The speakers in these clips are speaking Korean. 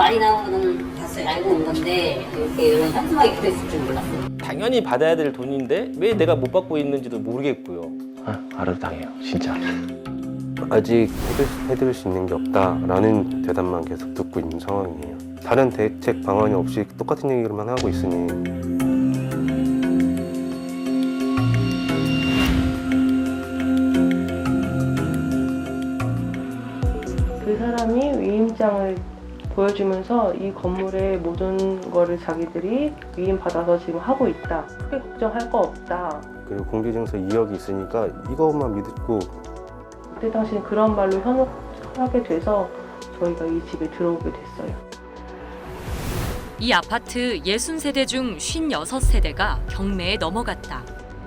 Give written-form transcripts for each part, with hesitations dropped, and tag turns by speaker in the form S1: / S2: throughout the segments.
S1: 말이 나오는 봤어요. 알고 온 건데 이렇게 이런 현수막이 붙어있을 줄 몰랐어요.
S2: 당연히 받아야 될 돈인데 왜 내가 못 받고 있는지도 모르겠고요. 알아도 당해요, 진짜.
S3: 아직 해드릴 수 있는 게 없다라는 대답만 계속 듣고 있는 상황이에요. 다른 대책 방안이 없이 똑같은 얘기만 하고 있으니
S4: 그 사람이 위임장을 보여주면서 이 건물의 모든 거를 자기들이 위임받아서 지금 하고 있다. 크게 걱정할 거 없다.
S3: 그리고 공개증서 2억이 있으니까 이것만 믿고
S4: 그때 당시엔 그런 말로 현혹하게 돼서 저희가 이 집에 들어오게 됐어요.
S5: 이 아파트 60세대 중 56세대가 경매에 넘어갔다.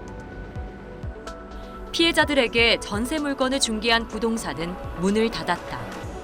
S5: 피해자들에게 전세 물건을 중개한 부동산은 문을 닫았다.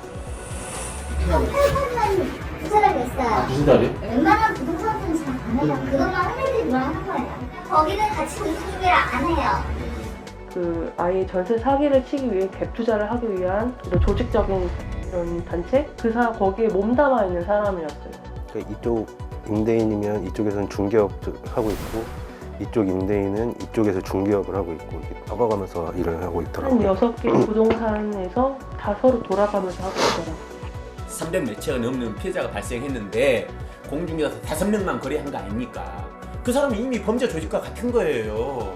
S6: 팔고는 그 사람이 있어요.
S2: 무슨 자리?
S6: 웬만한 부동산은 잘 안 해요. 그것만 할매들만 하는 거예요. 거기는 같이 공시중개를 안 해요.
S4: 그 아예 전세 사기를 치기 위해 갭 투자를 하기 위한 이런 조직적인 이런 단체? 거기에 몸담아 있는 사람이었어요.
S3: 이쪽 임대인이면 이쪽에서는 중개업을 하고 있고 이쪽 임대인은 이쪽에서 중개업을 하고 있고 이렇게 바꿔가면서 일을 하고
S4: 한
S3: 있더라고요.
S4: 6개 부동산에서 다 서로 돌아가면서 하고 있더라고요.
S7: 300몇 채가 넘는 피해자가 발생했는데 공중개사 5명만 거래한 거 아닙니까? 그 사람은 이미 범죄 조직과 같은 거예요.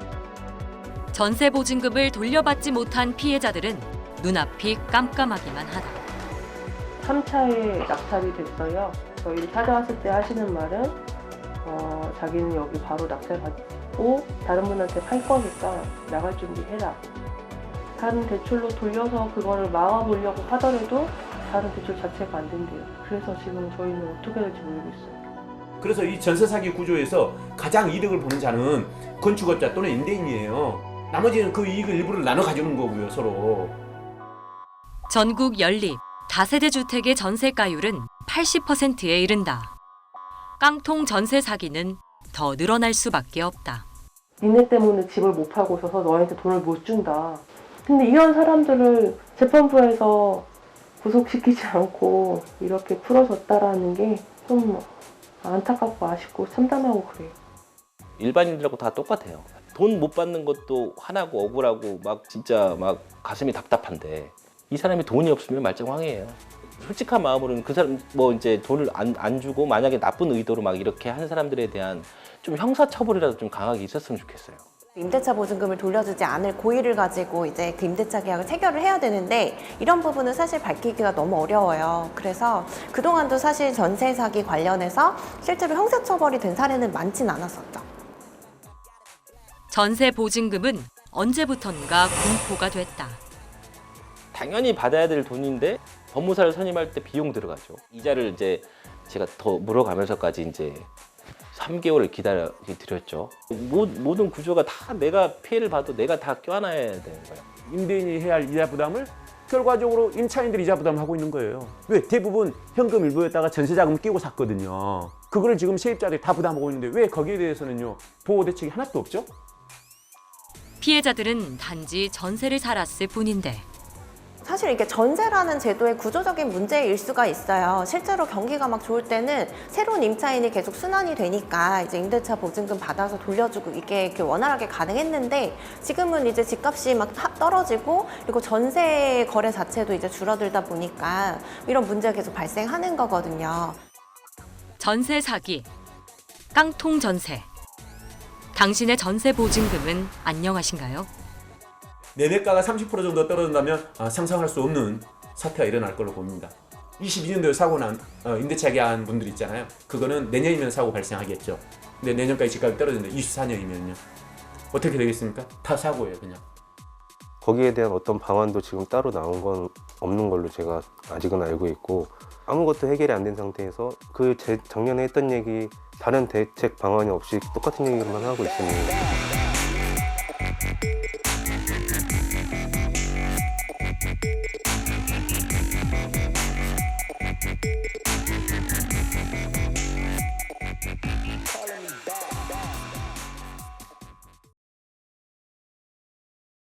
S5: 전세 보증금을 돌려받지 못한 피해자들은 눈앞이 깜깜하기만 하다.
S4: 3차에 낙찰이 됐어요. 저희를 찾아왔을 때 하시는 말은 자기는 여기 바로 낙찰 받고 다른 분한테 팔 거니까 나갈 준비해라. 다른 대출로 돌려서 그거를 막아보려고 하더라도 다른 대출 자체가 안 된대요. 그래서 지금 저희는 어떻게 될지 모르겠어요.
S7: 그래서 이 전세 사기 구조에서 가장 이득을 보는 자는 건축업자 또는 임대인이에요. 나머지는 그 이익을 일부를 나눠 가지는 거고요, 서로.
S5: 전국 연립 다세대 주택의 전세가율은 80%에 이른다. 깡통 전세 사기는 더 늘어날 수밖에 없다.
S4: 니네 때문에 집을 못 팔고 있어서 너희한테 돈을 못 준다. 근데 이런 사람들을 재판부에서 구속시키지 않고 이렇게 풀어줬다라는 게 좀 안타깝고 아쉽고 참담하고 그래요.
S2: 일반인들하고 다 똑같아요. 돈 못 받는 것도 화나고 억울하고 막 진짜 막 가슴이 답답한데 이 사람이 돈이 없으면 말짱황이에요. 솔직한 마음으로는 그 사람 뭐 이제 돈을 안 주고 만약에 나쁜 의도로 막 이렇게 하는 사람들에 대한 좀 형사처벌이라도 좀 강하게 있었으면 좋겠어요.
S8: 임대차 보증금을 돌려주지 않을 고의를 가지고 이제 그 임대차 계약을 체결을 해야 되는데 이런 부분은 사실 밝히기가 너무 어려워요. 그래서 그동안도 사실 전세 사기 관련해서 실제로 형사처벌이 된 사례는 많진 않았었죠.
S5: 전세 보증금은 언제부턴가 공포가 됐다.
S2: 당연히 받아야 될 돈인데 법무사를 선임할 때 비용 들어가죠. 이자를 이제 제가 더 물어가면서까지 이제 3개월을 기다려 드렸죠. 모든 구조가 다 내가 피해를 봐도 내가 다 껴안아야 되는 거예요.
S7: 임대인이 해야 할 이자 부담을 결과적으로 임차인들이 이자 부담을 하고 있는 거예요. 왜? 대부분 현금 일부에다가 전세자금 끼고 샀거든요. 그거를 지금 세입자들이 다 부담하고 있는데 왜 거기에 대해서는요 보호 대책이 하나도 없죠?
S5: 피해자들은 단지 전세를 살았을 뿐인데
S8: 사실 이게 전세라는 제도의 구조적인 문제일 수가 있어요. 실제로 경기가 막 좋을 때는 새로운 임차인이 계속 순환이 되니까 이제 임대차 보증금 받아서 돌려주고 이게 이렇게 원활하게 가능했는데 지금은 이제 집값이 막 떨어지고 그리고 전세 거래 자체도 이제 줄어들다 보니까 이런 문제가 계속 발생하는 거거든요.
S5: 전세 사기, 깡통 전세. 당신의 전세 보증금은 안녕하신가요?
S7: 매매가가 30% 정도 떨어진다면 상상할 수 없는 사태가 일어날 걸로 봅니다. 22년도에 사고 난 임대차 계약한 분들 있잖아요. 그거는 내년이면 사고 발생하겠죠. 근데 내년까지 집값이 떨어지는데 24년이면요. 어떻게 되겠습니까? 다 사고예요, 그냥.
S3: 거기에 대한 어떤 방안도 지금 따로 나온 건 없는 걸로 제가 아직은 알고 있고 아무것도 해결이 안 된 상태에서 작년에 했던 얘기 다른 대책 방안이 없이 똑같은 얘기만 하고 있으니